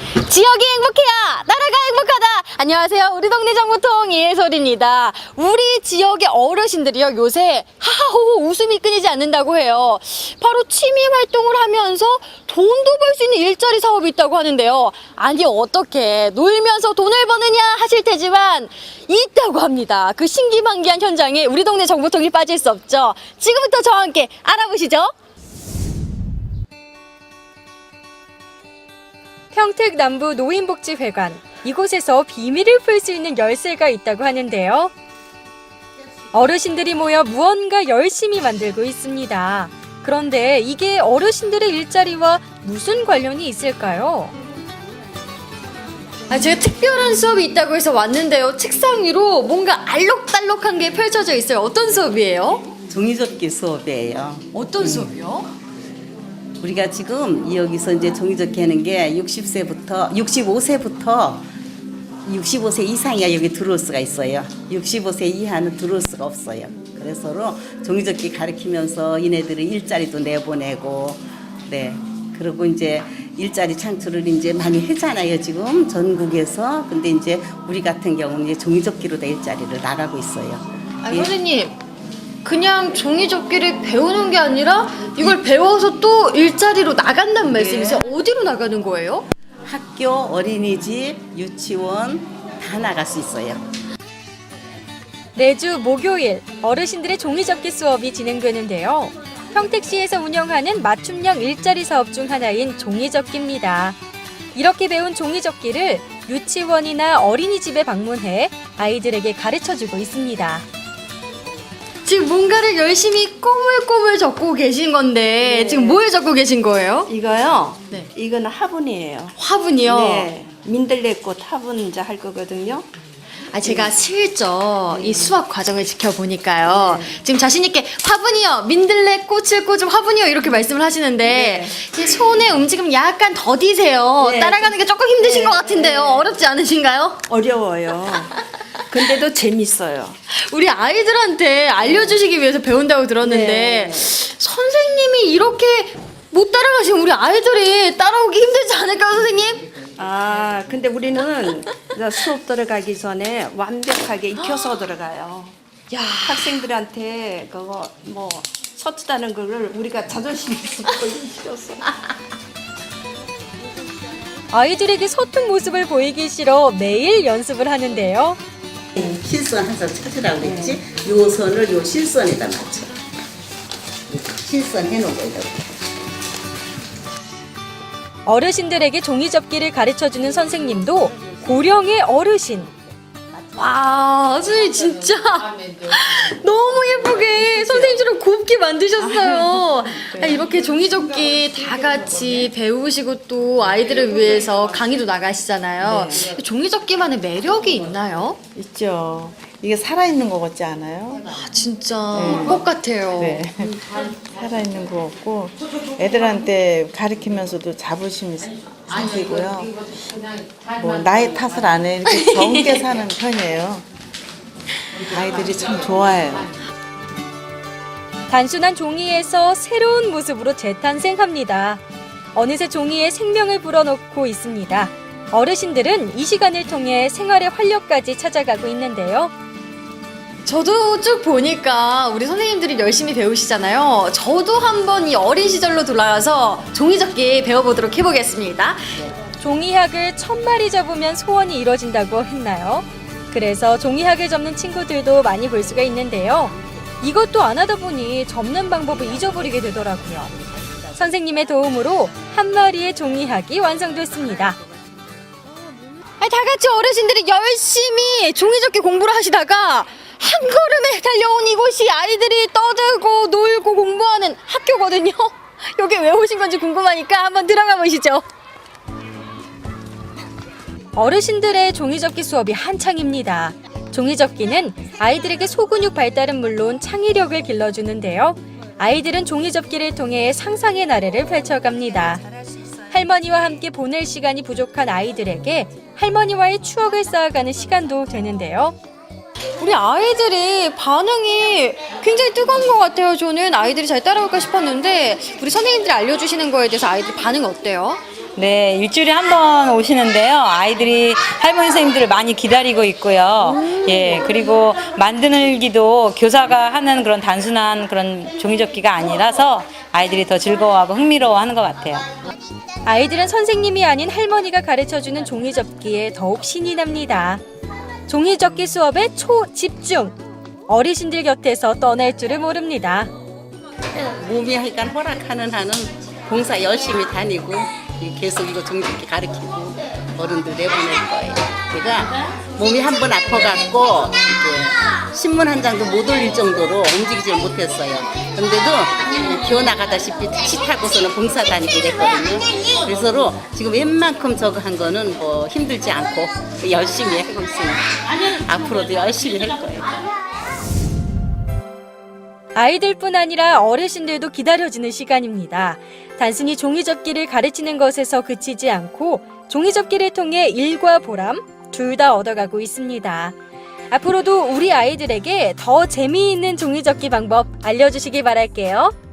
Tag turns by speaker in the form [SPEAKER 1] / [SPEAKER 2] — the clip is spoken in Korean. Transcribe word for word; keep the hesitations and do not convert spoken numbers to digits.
[SPEAKER 1] 지역이 행복해야 나라가 행복하다. 안녕하세요. 우리 동네 정보통 이해솔입니다. 우리 지역의 어르신들이요, 요새 하하호호 웃음이 끊이지 않는다고 해요. 바로 취미 활동을 하면서 돈도 벌 수 있는 일자리 사업이 있다고 하는데요. 아니, 어떻게 놀면서 돈을 버느냐 하실 테지만 있다고 합니다. 그 신기반기한 현장에 우리 동네 정보통이 빠질 수 없죠. 지금부터 저와 함께 알아보시죠. 평택 남부 노인복지회관, 이곳에서 비밀을 풀 수 있는 열쇠가 있다고 하는데요. 어르신들이 모여 무언가 열심히 만들고 있습니다. 그런데 이게 어르신들의 일자리와 무슨 관련이 있을까요? 아, 제가 특별한 수업이 있다고 해서 왔는데요. 책상 위로 뭔가 알록달록한 게 펼쳐져 있어요. 어떤 수업이에요?
[SPEAKER 2] 종이접기 수업이에요.
[SPEAKER 1] 어떤 수업이요?
[SPEAKER 2] 우리가 지금 여기서 이제 종이접기 하는 게 육십 세부터 육십오 세부터 육십오 세 이상이야 여기 들어올 수가 있어요. 육십오 세 이하는 들어올 수가 없어요. 그래서 종이접기 가르치면서 얘네들이 일자리도 내보내고, 네. 그리고 이제 일자리 창출을 이제 많이 했잖아요, 지금 전국에서. 근데 이제 우리 같은 경우는 이제 종이접기로 다 일자리를 나가고 있어요.
[SPEAKER 1] 아,
[SPEAKER 2] 예.
[SPEAKER 1] 선생님, 그냥 종이접기를 배우는 게 아니라 이걸 배워서 또 일자리로 나간다는 말씀이세요? 어디로 나가는 거예요?
[SPEAKER 2] 학교, 어린이집, 유치원 다 나갈 수 있어요.
[SPEAKER 3] 매주 목요일 어르신들의 종이접기 수업이 진행되는데요. 평택시에서 운영하는 맞춤형 일자리 사업 중 하나인 종이접기입니다. 이렇게 배운 종이접기를 유치원이나 어린이집에 방문해 아이들에게 가르쳐주고 있습니다.
[SPEAKER 1] 지금 뭔가를 열심히 꼬물꼬물 적고 계신 건데
[SPEAKER 4] 네.
[SPEAKER 1] 지금 뭘 적고 계신 거예요?
[SPEAKER 4] 이거요?
[SPEAKER 1] 네.
[SPEAKER 4] 이거는 화분이에요.
[SPEAKER 1] 화분이요?
[SPEAKER 4] 네. 민들레꽃 화분 이제 할 거거든요.
[SPEAKER 1] 아, 제가 슬쩍 이 수학 과정을 지켜보니까요. 지금 자신있게 화분이요, 민들레 꽃을 꽂은 화분이요 이렇게 말씀을 하시는데 제 손의 움직임 약간 더디세요.
[SPEAKER 4] 네.
[SPEAKER 1] 따라가는 게 조금 힘드신
[SPEAKER 4] 네.
[SPEAKER 1] 것 같은데요. 어렵지 않으신가요?
[SPEAKER 4] 어려워요. 근데도 재밌어요.
[SPEAKER 1] 우리 아이들한테 알려주시기 위해서 배운다고 들었는데
[SPEAKER 4] 네.
[SPEAKER 1] 선생님이 이렇게 못 따라가시면 우리 아이들이 따라오기 힘들지 않을까요, 선생님?
[SPEAKER 4] 아, 근데 우리는 이제 수업 들어가기 전에 완벽하게 익혀서 들어가요.
[SPEAKER 1] 야,
[SPEAKER 4] 학생들한테 그거 뭐 서투다는 거를 우리가 자존심 있어 보이시켰어.
[SPEAKER 3] 아이들에게 서툰 모습을 보이기 싫어 매일 연습을 하는데요.
[SPEAKER 2] 실선 항상 찾으라고 그랬지? 요 선을 요 실선에다 맞춰. 실선 해놓은 거에다.
[SPEAKER 3] 어르신들에게 종이접기를 가르쳐주는 선생님도 고령의 어르신.
[SPEAKER 1] 와, 선생님 진짜 너무 예쁘게 선생님처럼 곱게 만드셨어요. 아, 이렇게 종이접기 다 같이 배우시고 또 아이들을 위해서 강의도 나가시잖아요. 종이접기만의 매력이 있나요?
[SPEAKER 5] 있죠. 이게 살아있는 것 같지 않아요?
[SPEAKER 1] 아, 진짜 꽃 같아요.
[SPEAKER 5] 네. 살아있는 것 같고 애들한테 가르치면서도 자부심이 생기고요. 뭐 나의 탓을 안 해. 이렇게 정게 사는 편이에요. 아이들이 참 좋아해요.
[SPEAKER 3] 단순한 종이에서 새로운 모습으로 재탄생합니다. 어느새 종이에 생명을 불어넣고 있습니다. 어르신들은 이 시간을 통해 생활의 활력까지 찾아가고 있는데요.
[SPEAKER 1] 저도 쭉 보니까 우리 선생님들이 열심히 배우시잖아요. 저도 한번 이 어린 시절로 돌아가서 종이접기 배워보도록 해보겠습니다.
[SPEAKER 3] 종이학을 천 마리 접으면 소원이 이뤄진다고 했나요? 그래서 종이학을 접는 친구들도 많이 볼 수가 있는데요. 이것도 안 하다 보니 접는 방법을 잊어버리게 되더라고요. 선생님의 도움으로 한 마리의 종이학이 완성됐습니다.
[SPEAKER 1] 아니, 다 같이 어르신들이 열심히 종이접기 공부를 하시다가 한 걸음에 달려온 이곳이 아이들이 떠들고 놀고 공부하는 학교거든요. 여기 왜 오신 건지 궁금하니까 한번 들어가 보시죠.
[SPEAKER 3] 어르신들의 종이접기 수업이 한창입니다. 종이접기는 아이들에게 소근육 발달은 물론 창의력을 길러주는데요. 아이들은 종이접기를 통해 상상의 나래를 펼쳐갑니다. 할머니와 함께 보낼 시간이 부족한 아이들에게 할머니와의 추억을 쌓아가는 시간도 되는데요.
[SPEAKER 1] 우리 아이들이 반응이 굉장히 뜨거운 것 같아요. 저는 아이들이 잘 따라올까 싶었는데 우리 선생님들이 알려주시는 거에 대해서 아이들 반응이 어때요?
[SPEAKER 6] 네, 일주일에 한 번 오시는데요. 아이들이 할머니 선생님들을 많이 기다리고 있고요. 예, 그리고 만들기도 교사가 하는 그런 단순한 그런 종이접기가 아니라서 아이들이 더 즐거워하고 흥미로워하는 것 같아요.
[SPEAKER 3] 아이들은 선생님이 아닌 할머니가 가르쳐주는 종이접기에 더욱 신이 납니다. 종이접기 수업에 초집중! 어르신들 곁에서 떠날 줄을 모릅니다.
[SPEAKER 2] 몸이 하니까 허락하는 한은 봉사 열심히 다니고 계속 이거 종이접기 가르치고 어른들 내보낼 거예요. 제가 몸이 한 번 아파갖고 이제 신문 한 장도 못 올릴 정도로 움직이질 못했어요. 근데도 기어 나가다시피 택시 타고서는 봉사 다니고 이랬거든요. 그래서 지금 웬만큼 저거 한 거는 뭐 힘들지 않고 열심히 하고 있습니다. 앞으로도 열심히 할 거예요.
[SPEAKER 3] 아이들뿐 아니라 어르신들도 기다려지는 시간입니다. 단순히 종이접기를 가르치는 것에서 그치지 않고 종이접기를 통해 일과 보람 둘 다 얻어가고 있습니다. 앞으로도 우리 아이들에게 더 재미있는 종이접기 방법 알려주시기 바랄게요.